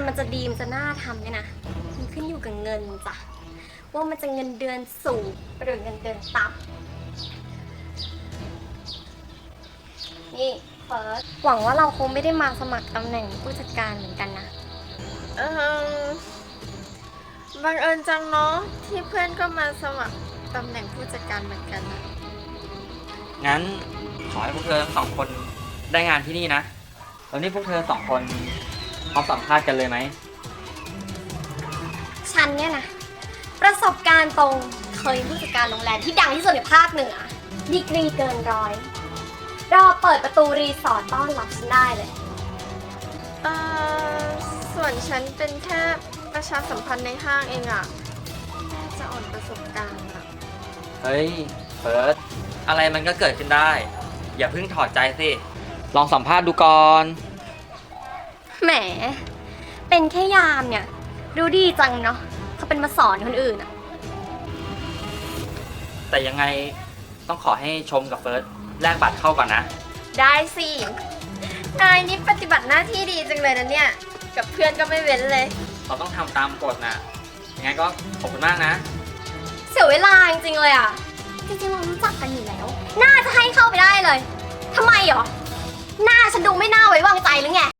มันจะดีมันจะน่าทำเนี่ยนะมันขึ้นอยู่กับเงินจ้ะว่ามันจะเงินเดือนสูงหรือเงินเดือนต่ำนี่เฟิร์สหวังว่าเราคงไม่ได้มาสมัครตำแหน่งผู้จัดการเหมือนกันนะเออบังเอิญจังเนาะที่เพื่อนก็มาสมัครตำแหน่งผู้จัดการเหมือนกันนะงั้นขอให้พวกเธอทั้งสองคนได้งานที่นี่นะแล้วนี่พวกเธอสองคนพร้อมสัมภาษณ์กันเลยไหมฉันเนี่ยนะประสบการณ์ตรงเคยเป็นผู้จัดการโรงแรมที่ดังที่สุดในภาคเหนือดีกรีเกินร้อยรอเปิดประตูรีสอร์ทต้อนรับฉันได้เลยเออส่วนฉันเป็นแค่ประชาสัมพันธ์ในห้างเองอะน่าจะอ่อนประสบการณ์อะเฮ้ยเฟิร์สอะไรมันก็เกิดขึ้นได้ อย่าเพิ่งถอดใจสิลองสัมภาษณ์ดูก่อนแหมเป็นแค่ยามเนี่ยดูดีจังเนาะเขาเป็นมาสอนคนอื่นอะแต่ยังไงต้องขอให้ชมกับเฟิร์สแลกบัตรเข้าก่อนนะได้สินายนี่ปฏิบัติหน้าที่ดีจังเลยนะเนี่ยกับเพื่อนก็ไม่เว้นเลยเราต้องทำตามกฎนะยังไงก็ขอบคุณมากนะเสียเวลาจริงๆเลยอะจริงๆเรารู้จักกันอยู่แล้วน่าจะให้เข้าไปได้เลยทำไมหรอหน้าฉันดูไม่น่าไว้วางใจหรือไง